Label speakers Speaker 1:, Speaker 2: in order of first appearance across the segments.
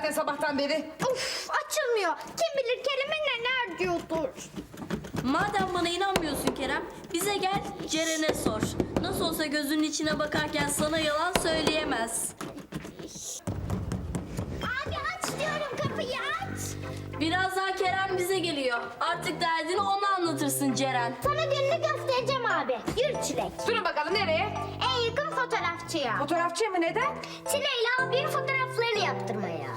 Speaker 1: zaten sabahtan beri.
Speaker 2: Of, açılmıyor. Kim bilir Kerem'e neler diyordur.
Speaker 3: Madem bana inanmıyorsun Kerem, bize gel Ceren'e sor. Nasıl olsa gözünün içine bakarken sana yalan söyleyemez.
Speaker 2: Abi aç diyorum, kapıyı aç.
Speaker 3: Birazdan Kerem bize geliyor. Artık derdini ona anlatırsın Ceren.
Speaker 2: Sana gününü göstereceğim abi. Yürü Çilek.
Speaker 1: Durun bakalım nereye?
Speaker 2: En yakın fotoğrafçıya.
Speaker 1: Fotoğrafçıya mı, neden?
Speaker 2: Çile'yle abinin fotoğraflarını yaptırmaya.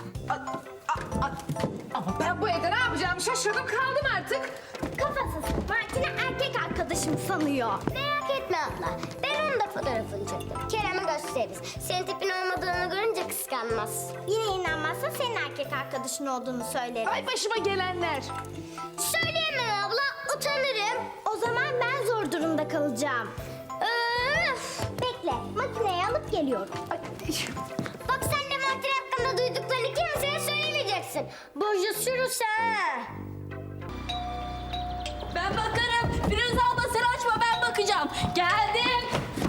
Speaker 1: Ama ben bu evde ne yapacağımı şaşırdım kaldım artık.
Speaker 2: Kafasız. Martin'i erkek arkadaşım sanıyor. Merak etme abla. Ben onun da fotoğrafını çektim. Kerem'e gösteririz. Senin tipin olmadığını görünce kıskanmaz. Yine inanmazsa senin erkek arkadaşın olduğunu söylerim.
Speaker 1: Ay başıma gelenler.
Speaker 2: Söyleyemem abla. Utanırım. O zaman ben zor durumda kalacağım. Öf! Bekle. Makineyi alıp geliyorum. Bak sen de Martin hakkında duyduklarını kimseye söylemeyeceksin. Boşa sürüse.
Speaker 3: Ben bakarım. Firuze abla sen açma, ben bakacağım. Geldim.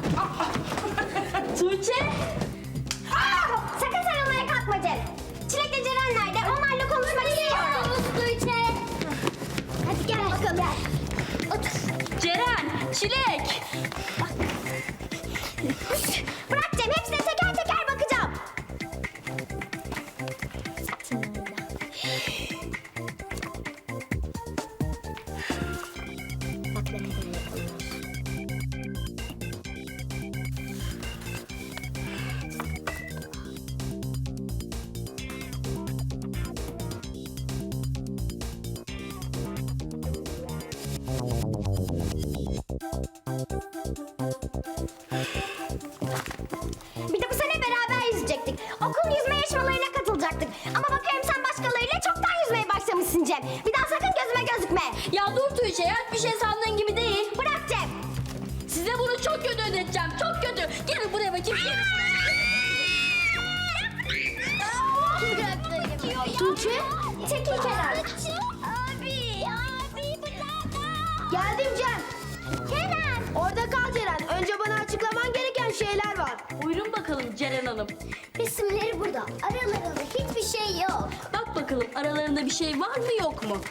Speaker 3: Tuğçe.
Speaker 2: Sakın sarılmaya kalkma Cem. Çilek'le Ceren nerede? Onlarla konuşmak istiyorum. Tuğçe. Hadi gel bakalım. Gel. Otur.
Speaker 3: Ceren, Çilek.
Speaker 2: Bırak Cem. Hepsine teker teker bakacağım. Bak ne kadar yakınlar. Bir de bu sene beraber yüzecektik. Okul yüzme yarışmalarına katılacaktık. Ama bakıyorum sen başkalarıyla çoktan yüzmeye başlamışsın Cem. Bir daha sakın gözüme gözükme.
Speaker 3: Ya dur Tuğçe ya, bir şey sandığın gibi değil.
Speaker 2: Bırak Cem.
Speaker 3: Size bunu çok kötü ödeteceğim, çok kötü. Gelin buraya bakayım.
Speaker 2: Tuğçe, çekil kenara. Abi bırak.
Speaker 4: Geldim Cem.
Speaker 2: Kerem.
Speaker 4: Orada kal Ceren. Önce bana açıklaman gereken şeyler var.
Speaker 3: Buyurun bakalım Ceren Hanım.
Speaker 2: Resimleri burada. Aralarında hiçbir şey yok.
Speaker 3: Bak bakalım aralarında bir şey var mı yok mu?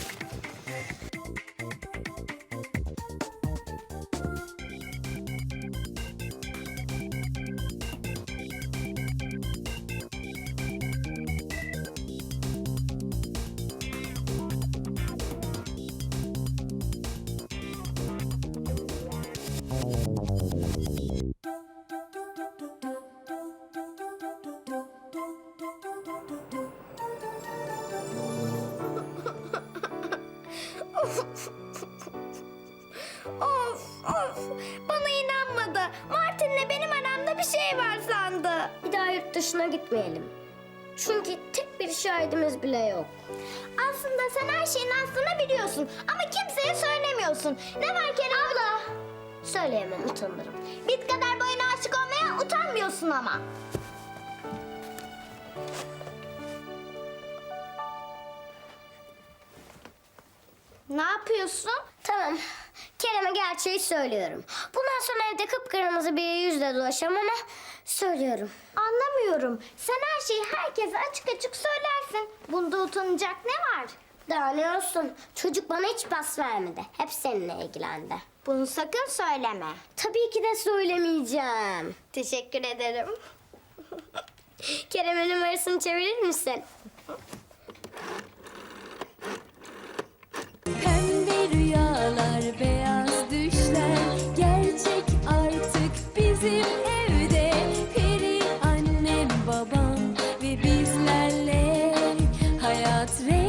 Speaker 2: Of of. Bana inanmadı. Martin'le benim aramda bir şey var sandı. Bir daha yurt dışına gitmeyelim. Çünkü tek bir şahidimiz bile yok. Aslında sen her şeyin aslını biliyorsun ama kimseye söylemiyorsun. Ne var Kerem? Abla. Söyleyemem, utanırım. Bit kadar boyuna aşık olmaya utanmıyorsun ama. Ne yapıyorsun? Tamam. Kerem'e gerçeği söylüyorum. Bundan sonra evde kıpkırmızı bir yüzle dolaşacağım ama söylüyorum. Anlamıyorum. Sen her şeyi herkese açık açık söylersin. Bunda utanacak ne var? Daha ne olsun? Çocuk bana hiç pas vermedi. Hep seninle ilgilendi. Bunu sakın söyleme. Tabii ki de söylemeyeceğim. Teşekkür ederim. Kerem'in numarasını çevirir misin?
Speaker 5: Pembe rüyalar, beyaz düşler gerçek artık bizim evde. Peri annem, babam ve bizlerle hayat rengi.